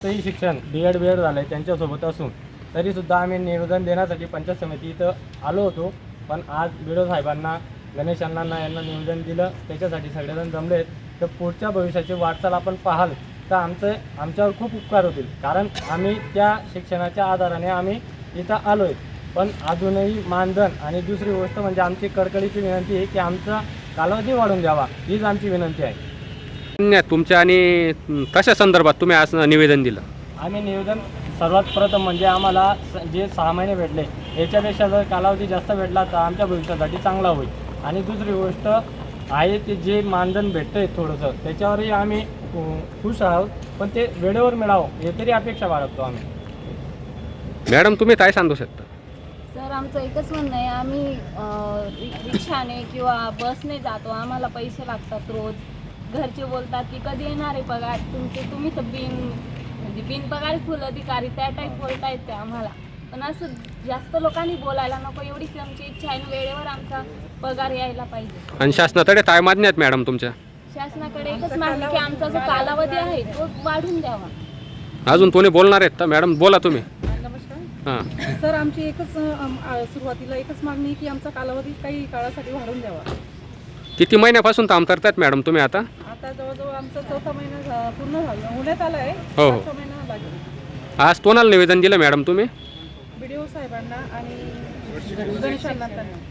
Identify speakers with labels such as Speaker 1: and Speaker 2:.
Speaker 1: तेही शिक्षण B.Ed झालं आहे त्यांच्यासोबत असून तरीसुद्धा आम्ही निवेदन देण्यासाठी पंचायत समिती इथं आलो होतो. पण आज BDO साहेबांना, गणेश अण्णांना यांना निवेदन दिलं, त्याच्यासाठी सगळेजण जमले आहेत. तर पुढच्या भविष्याची वाटचाल आपण पाहाल तर आमच्यावर खूप उपकार होतील. कारण आम्ही त्या शिक्षणाच्या आधाराने आम्ही इथं आलो आहे. पण अजूनही मानधन आणि दुसरी गोष्ट म्हणजे आमची कळकळीची विनंती आहे की आमचा कालावधी वाढवून द्यावा, हीच आमची विनंती आहे.
Speaker 2: तुमच्या आणि कशा संदर्भात तुम्ही आज निवेदन दिलं?
Speaker 1: आम्ही निवेदन सर्वात प्रथम म्हणजे आम्हाला जे 6 महिने भेटले याच्यापेक्षा जर कालावधी जास्त भेटला तर आमच्या भविष्यासाठी चांगला होईल. आणि दुसरी गोष्ट आहे ते जे मानधन भेटतं आहे थोडंसं त्याच्यावरही आम्ही खुश आहोत. पण ते वेळेवर मिळावं हे तरी अपेक्षा बाळगतो आम्ही.
Speaker 2: मॅडम तुम्ही काय सांगू शकता?
Speaker 3: सर आमचं एकच म्हणणं आहे, आम्ही रिक्षाने किंवा बसने जातो, आम्हाला पैसे लागतात रोज. घरचे बोलतात की कधी येणार आहे पगार तुम्ही तर बिनपगारी फुल अधिकारी त्या टाईप बोलतायत ते आम्हाला. पण असं जास्त लोकांनी बोलायला नको एवढीच आमची इच्छा आहे. वेळेवर आमचा पगार यायला पाहिजे.
Speaker 2: आणि शासनाकडे काय मागणी आहेत मॅडम तुमच्या?
Speaker 3: शासनाकडे एकच मागणी की आमचा जो कालावधी आहे तो वाढून द्यावा.
Speaker 2: अजून कोणी बोलणार आहेत तर मॅडम बोला तुम्ही.
Speaker 4: नमस्कार.
Speaker 2: हां
Speaker 4: सर आमची एकच सुरुवातीला एकच मागणी की आमचा कालावधी काही काळासाठी वाढवून द्यावा.
Speaker 2: किती महिन्यापासून काम करतायत मॅडम तुम्ही आता?
Speaker 4: आता जवळजवळ आमचा 4था महिना पूर्ण झाला, होण्यात आला आहे.
Speaker 2: हो.
Speaker 4: 5 महिना लागेल.
Speaker 2: आज कोणाला निवेदन दिलं मॅडम तुम्ही?
Speaker 4: BDO साहेबांना आणि गणेश अण्णांना.